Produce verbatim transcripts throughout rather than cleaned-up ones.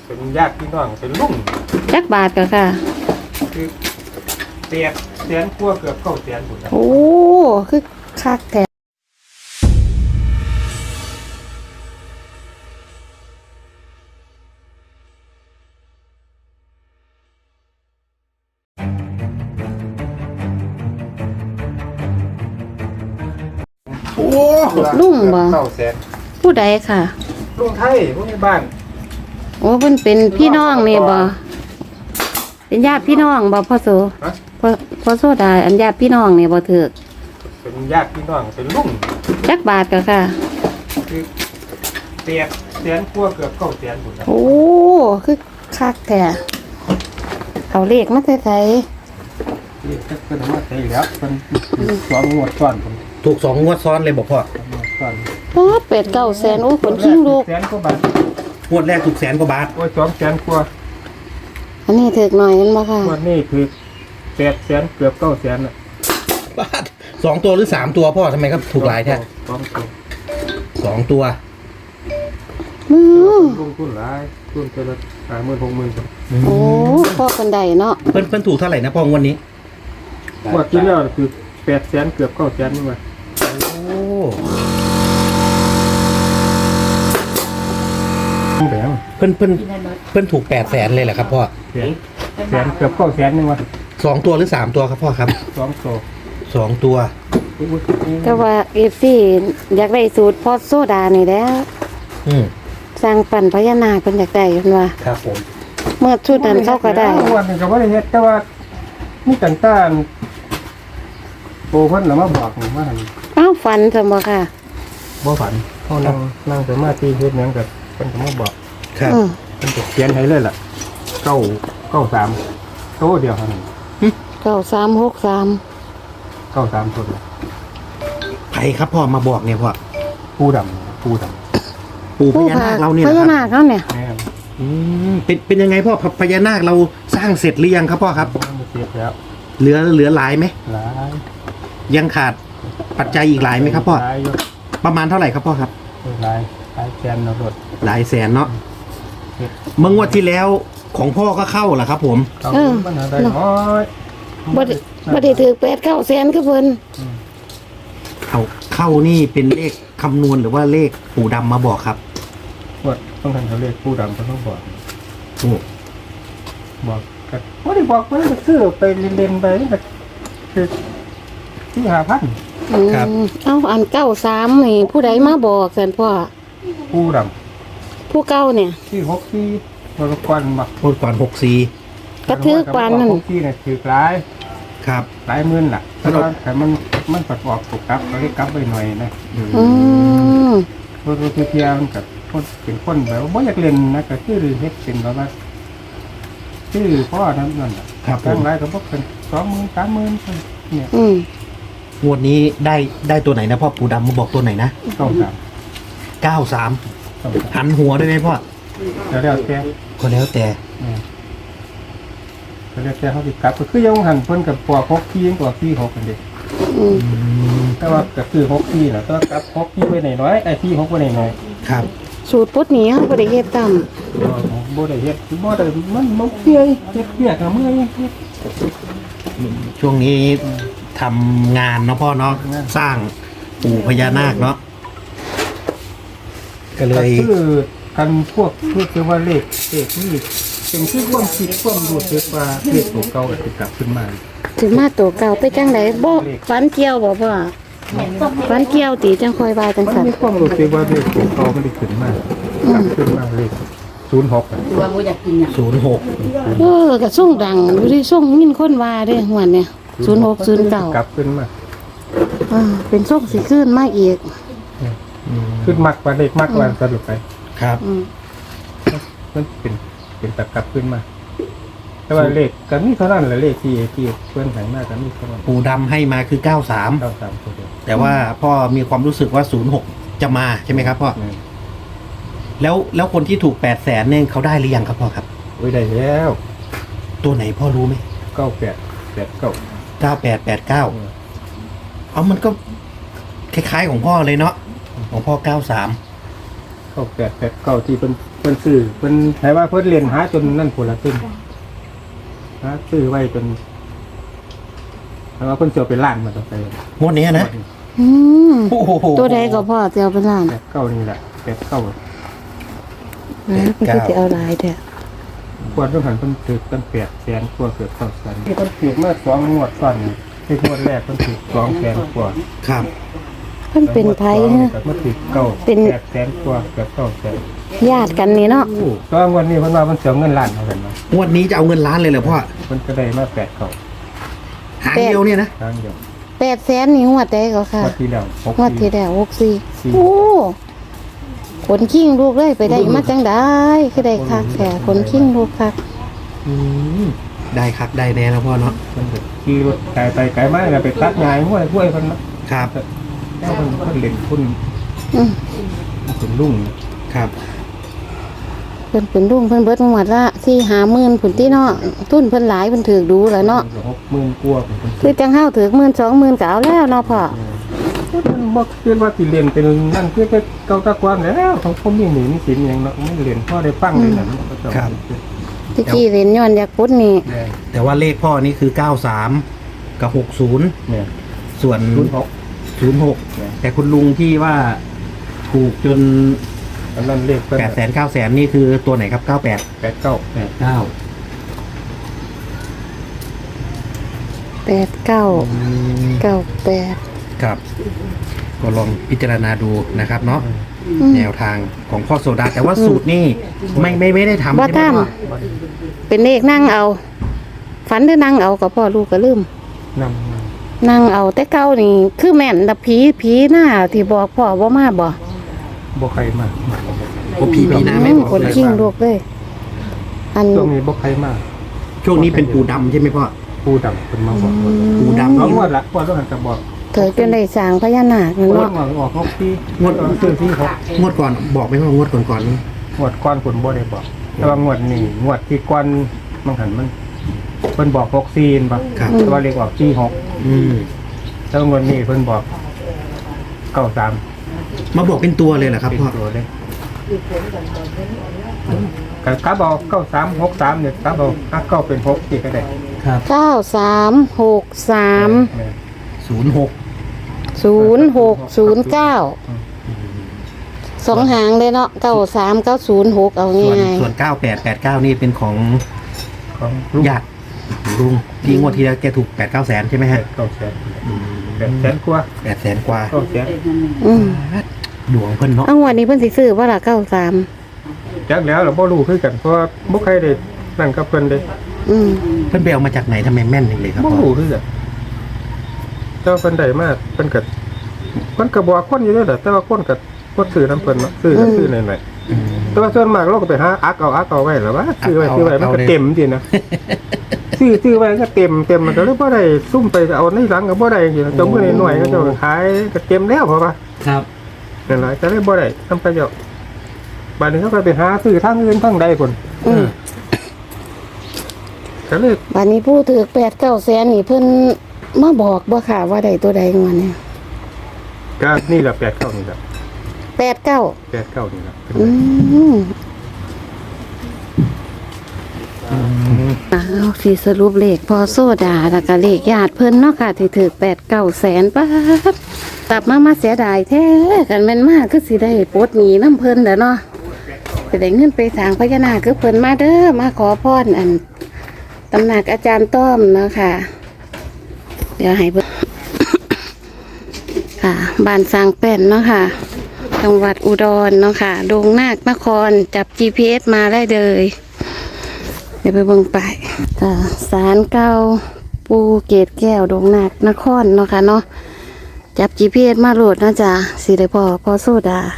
เป็นญาติพี่น้องเป็นลุงจักบาทก็ค่ะคือเตียแสนกว่าเกือบเก้าแสนหมดแล้วโอ้คือคักแท้โอ้ลุงบ่เก้าแสนผู้ใดค่ะลุงไทยพวกนี้บ้านโอ้เพิ่นเป็นพี่น้องนี่บ่เป็นญาติพี่น้องบ่พ่อโสฮะพ่อพ่อโซดาอันญาติพี่น้องนี่บ่ถูกเป็นญาติพี่น้องเป็นลุงจักบาทก็ค่ะคือเตียแสนกว่าเกือบเก้าแสนหมดแล้วโอ้คือคักแท้เขาเลขมาแต่ไสที่เป็นว่าใช่แล้วเป็นสองงวดซ้อนผมถูกสองงวดซ้อนเลยบอกพ่อสองงวดซ้อนโอ้เป็ดเก้าแสนโอ้ขนคิงลูกแสนกว่าบาทงวดแรกถูกแสนกว่าบาทโอ้ยสองแสนกว่าอันนี้ถูกหน่อยมันบ่ค่ะงวดนี้คือแปดแสนเกือบเก้าแสนอ่ะบาทสองตัวหรือสามตัวพ่อทำไมครับถูกหลายแท้สองตัวสองตัวอือลงทุนหลายทุนเจละห้าหมื่นหกหมื่นโอ้พ่อคนใดเนาะเพิ่นเพิ่นถูกเท่าไหร่นะพ่องวดนี้งวดที่แล้วคือแปดแสนเกือบเก้าแสนนี่มาโอ้แบงเพิ่นเพิ่นเพิ่นถูกแปดแสนเลยเหรอครับพ่อแสนแสนเกือบเก้าแสนนี่มาสองตัวหรือสามตัวครับพ่อครับสองตัวสองตัวแต่ว่า เอฟ ซี อยากได้สูตรพ่อโซดานี่แหล้วอืมสร้างปั่นพญานาคเพิ่นอยากได้เพิ่นว่าครับผมเมื่อชุดนั้นเขาก็ได้วันนึงก็บ่ได้เฮ็ดแต่ว่ามีกันต้านโอ้เพิ่นน่ะมาบอกนี่ว่าหั่นอ้าวฝันซั่นบ่ค่ะบ่ฝันเฮานั่งนั่งสมาธิเฮ็ดหยังก็เพิ่นก็มาบอกครับอือเพิ่นก็เขียนให้เลยล่ะเก้าเก้าสามโตเดียวเท่านั้นเก้าสามหกสามเก้าสามตัวเดียวใครครับพ่อมาบอกเนี่ยพ่อผู้ดำผู้ดำปู่พญานาคเราเนี่ยพนะญาครับนาคเขาเนี่ยแม่นอืมเป็นเป็นยังไงพ่อพพญานาคเราสร้างเสร็จหรือยังครับพ่อครับมันเสียแล้วเหลือเหลือหลายไหมหลายยังขาดปัจจัยอีกหลายไหมครับพ่อหลายอยู่ประมาณเท่าไหร่ครับพ่อครับหลายหลายแสนเนาะรถหลายแสนเนาะเมื่องวดที่แล้วของพ่อก็เข้าแหละครับ ผมเอามันหาได้น้อยบ่ได้บ่ได้ถือแปดเก้าแสนคือเพิ่นเอาเข้านี่เป็นเลขคำนวณหรือว่าเลขปู่ดำมาบอกครับว่าต้องทำเขาเรียกผู้ดำเขาต้องบอกโอ้บอกกันว่าได้บอกว่าจะซื้อไปเล่นๆไปนี่ก็คือที่หาพันอืมเอ้าอันเก้าสามนี่ผู้ใดมาบอกซั่นพ่อผู้ดผู้เก่าเนี่ยำที่หกที่บริกรมาพูดก่อนหกสี่กระทืบปานนั่นหกที่เนี่ยถือหลายครับหลายหมื่นล่ะแต่ว่าแต่มันมันประกอบถูกกลับเขาได้กลับไปหน่อยนะอืมรถรถเทียมันกับคนเป็นคนแบบว่าบ่อยากเล่นนะก็คือเฮ็ดเป็นแบบว่าชื่อพ่อนั้นนั่นน่ะครับผตั้งมหลายก็บ่เป็นสองหมื่นสามหมื่นเนี่ยอืมงวดนี้ได้ได้ตัวไหนนะพ่อปู่ดำมาบอกตัวไหนนะเก้าสามเก้าสามเก้าสามหันหัวด้วยไหมพ่อแล้วแล้วแต่ก็แล้วแต่เนี่ยแล้วแล้วแต่เขาสิกลับก็คือยังหันเพิ่นกับปอกหกที่ยังกว่าที่หกกันเด้อืมอืมแต่ว่าก็คือหกที่น่ะก็กลับหกที่ไว้หน่อยๆไอ้ที่หกไว้หน่อยครับสูตรปุ๊ดนี้เขาบ่ได้เฮ็ดตามๆบ่บ่ได้เฮ็ดบ่ได้มันมันเมื่อยเฮ็ดเวียกก็เมื่อยเฮ็ดช่วงนี้ทำงานเนาะพ่อเนาะงานสร้างปู่พญานาคเนาะก็เลก็ยคือกันพวกเพื่อว่าเลขเลขนี่เป็นที่ความคิดความรู้สึกว่าเลขตัวเก่าก็สิกลับขึ้นมาถึงมาตัวเก่าไปจังไดบ่ฝันเกี่ยวบ่พ่อฝันเกี่ยวติจังค่อยว่าจังมันซั่นมีความรู้สึกว่าเลขตัวเก่ามันได้ขึ้นมากลับขึ้นมาเลขศูนย์หกอะศูนย์หกเออก็ส่งดังอยู่ที่ส่งยินคนว่าเด้หวนเนี่ยศูนย์หกศูนย์เก้ากลับขึ้นมาอ่าเป็นส่งสิขึ้นมาอีกขึ้นมักว่าเลขมักว่าสรุปไปครับอืมมันเป็นเป็นตับกลับขึ้นมา แต่ว่าเลขกันนี่เท่านั้นแหละเลขที่ที่เพื่อนหายมากกันนี่เท่านั้นปู่ดำให้มาคือเก้าสามเก้าสามตัวเดียวแต่ว่าพ่อมีความรู้สึกว่าศูนย์หกจะมาใช่ไหมครับพ่ออืมแล้วแล้วคนที่ถูกแปดแสนเนี่ยเขาได้หรือยังครับพ่อครับโอ้ยได้แล้วตัวไหนพ่อรู้ไหมเก้าแปดแปดเก้าเก้าแปดแปดเก้าเอามันก็คล้ายๆของพ่อเลยเนาะของพ่อเก้าสามเก้าแปดแปดเก้าที่เป็นพิ่นซื้อเพิ่นให้ว่าเพิ่นเรียนหาจนนั่นพุ่นละตึ้งหาซื้อไว้จนแต่ว่าเพิ่นเสียเป็นล้านมาต่อไปงวดนี้นะอืมโอ้โหตัวใดก็พ่อจะเอาไปล้านแปดเก้านี่แหละแปดเก้านะเพิ่นก็สิเอาหลายแท้ควรต้องหันเพิ่นถือตั้งแปดแสนกว่าเกือบเก้าแสนที่เพิ่นถือมาสองงวดซ้อนนี่ที่งวดแรกเพิ่นถือสองแสนกว่าครับเพิ่นเป็นไผฮะเมื่อถือเก้าเป็นแปดแสนกว่าเกือบเก้าแสนญาติกันนี่เนาะตอนวันนี้เพิ่นว่าเพิ่นเสียเงินล้านเท่ากันเนาะงวดนี้จะเอาเงินล้านเลยเหรอพ่อเพิ่นก็ได้มาแปดเก้าหางเดียวเนี่ยนะครั้งเดียวแปดแสนนี่งวดใดก็ค่ะงวดที่แล้วหกงวดที่แล้วหกสี่สี่โอ้ขนขิ้งลูกเลยไปได้มาจังได้คือได้คักแท้ขนขิ้งลูกคักอืมได้ครับได้แน่แล้วพ่อเนาะเพิ่นก็ขี่รถไกลไปไกลมาแล้วไปตัดงายห้วยห้วยเพิ่นเนาะครับแล้วเพิ่นเพิ่นเล่นหุ้นอืมเป็นลุงครับเพิ่นเป็นลุงเพิ่นเบิดหมดละสี่ห้าหมื่นผุนที่เนาะทุนเพิ่นหลายเพิ่นถือดูแล้วเนาะหกหมื่นกว่าเพิ่นคือจังเฮาถือหมื่นสองหมื่นก็เอาแล้วเนาะพ่อเพิ่นบ่คิดว่าสิเรียนเป็นนั่นคือแค่เก่าตะกวนแล้วของผมมีหนี้มีสินหยังเนาะไม่เรียนพอได้ฟังเลยนั่นก็จะครับที่กี้เรียนย้อนอยากพุดนี่เนี่ยแต่ว่าเลขพ่อนี่คือเก้าสามกับหกศูนย์เนี่ยส่วนศูนย์หกศูนย์หกแต่คุณลุงที่ว่าถูกจนอันนั้นเลขเพิ่นแปดแสนเก้าแสนนี่คือตัวไหนครับเก้าแปดแปดเก้าแปดเก้าแปดเก้าเก้าแปดครับ ก็ลองพิจารณาดูนะครับเนาะอืมแนวทางของพ่อโซดา แต่ว่าสูตรนี่ไม่ไม่ไม่ได้ทำบ่ใช่ไหมทำพ่อเป็นเลขนั่งเอา ฝันหรือนั่งเอากับพ่อลูกก็ลืมนำนั่งเอาแต่เก้านี่คือแม่นแต่ผีผีหน้าที่บอกพ่อว่ามาบ่บ่ใครมาโอ้พี่พี่นะไม่อืมบอกคนเลยขิ้งลูกเลยอันช่วงนี้บ่ใครมาช่วงนี้เป็นปูดำใช่ไหมพ่อปูดำเพิ่นมาบอกว่าปูดำน้องนี่งวดละงวดต้องหันจะบอกเถยจนได้สร้างพญานาคนั่นงวดเนาะออกออกหกปีงวดซื้อที่หกงวดก่อนบอกไหมว่างวดก่อนก่อนๆนี่งวดก้อนผลบ่ได้บอก แต่ว่างวดนี้งวดที่ก้อนมันหันมันเพิ่นบอกหกซีนบ่ครับแต่ว่าเลขออกที่หกอืมแล้วงวดนี้เพิ่นบอกเก้าสามมาบอกเป็นตัวเลยเหรอครับเป็นพ่อตัวเลยกับกาบอกเก้าสามหกสามเนี่ยกาบอกห้าเก้าเป็นหกที่ก็ได้ครับเก้าสามหกสามแม่ศูนย์หกศูนย์หกศูนย์เก้าสองหางเลยเนาะเก้าสามเก้าศูนย์หกเอาส่วนง่ายส่วนเก้าแปดแปดเก้านี่เป็นของของลูกญาติของลุงที่งวดที่แล้วแกถูกแปดเก้าแสนใช่ไหมฮะเก้าแสนแปดแสนกว่าแปดแสนกว่าเก้าแสนๆอืมดวงเพิ่นเนาะเอางวันนี้เพิ่นสิซื้อว่าละเก้าสามจักแล้วเราบ่รู้คือกันเพราะว่าบ่ใครได้นั่นกับเพิ่นเด้อืมเพิ่นไปเอามาจากไหนทำไมแม่นจังเลยครับบ่พ่อรู้คือกันแต่ว่าเพิ่นได้มาเพิ่นก็เพิ่นก็บอกคนอยู่เด้อแหละแต่ว่าคนก็บ่ซื้อนํเพิ่นเนาะซื้อก็ซื้อหน่อยๆอืมแต่ว่าส่วนมากเราก็ไปหาอักเอาอักเอาไว้แล้วว่าซื้อไว้ซื้อไว้มันก็เต็มจริงนะซื้อซื้อไว้ก็เต็มเต็มมันก็เลยบ่ได้ซุ่มไปเอาในหลังก็บ่ได้จริงๆจมมือหน่อยๆก็จะขายก็เต็มแล้วเพราะว่าครับนั่นแหละก็เลยบ่ได้ทำประโยชน์บัดนี้เขาก็ไปหาซื้อทางอื่นทางใดพุ่นอืมก็เลยวันนี้ผู้ถือแปดเก้าแสนนี่เพิ่นมาบอกบ่ค่ะว่าได้ตัวใดงวดนี้ก็นี่แหละแปดเก้านี่แหละแปดเก้าแปดเก้านี่แหละอืมอ่าเอาสิสรุปเลขพอโซดาแล้วก็เลขญาติเพิ่นเนาะค่ะที่ถือแปดเก้าแสนป้าดกลับมามาเสียดายแท้กันแม่นมากคือสิได้ปลดหนี้น้ำเพิ่นแหล้วเนาะไปได้เงินไปสร้างพญานาคคือเพิ่นมาเด้อมาขอพรอันตำหนักอาจารย์ต้อมเนาะค่ะ เดี๋ยวให้เบิ่ง ค่ะบ้านสร้างแป้นเนาะค่ะ จังหวัดอุดรเนาะค่ะดงนาคนครจับ จี พี เอส มาได้เลย เดี๋ยวไปเบิ่งไปค่ะศาลเก่าปูเกตแก้วดงนาคนครเนาะค่ะเนาะจับ จี พี เอส มาโหลดนะจ๊ะสิได้พอพอโซดา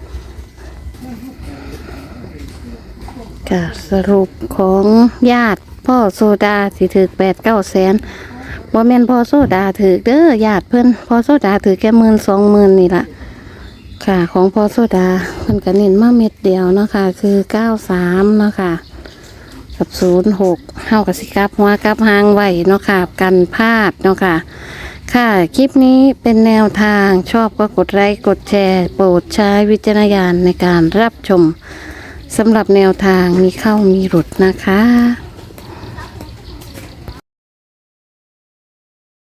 ค่ะสรุปของญาติพ่อโซดาสิถือแปดเก้าแสนบ่แม่นพ่อโซดาถือเด้อญาติเพิ่นพ่อโซดาถือแค่หมื่นสองหมื่นนี่ล่ะค่ะของพ่อโซดาเพิ่นก็เน้นมาเม็ดเดียวเนาะค่ะคือเก้าสามเนาะค่ะกับศูนย์หกเฮากับสิกลับหัวกลับหางไว้เนาะค่ะกันพลาดเนาะค่ะค่ะคลิปนี้เป็นแนวทางชอบก็กดไลค์กดแชร์โปรดใช้วิจารณญาณในการรับชมสำหรับแนวทางมีเข้ามีหลุดนะคะ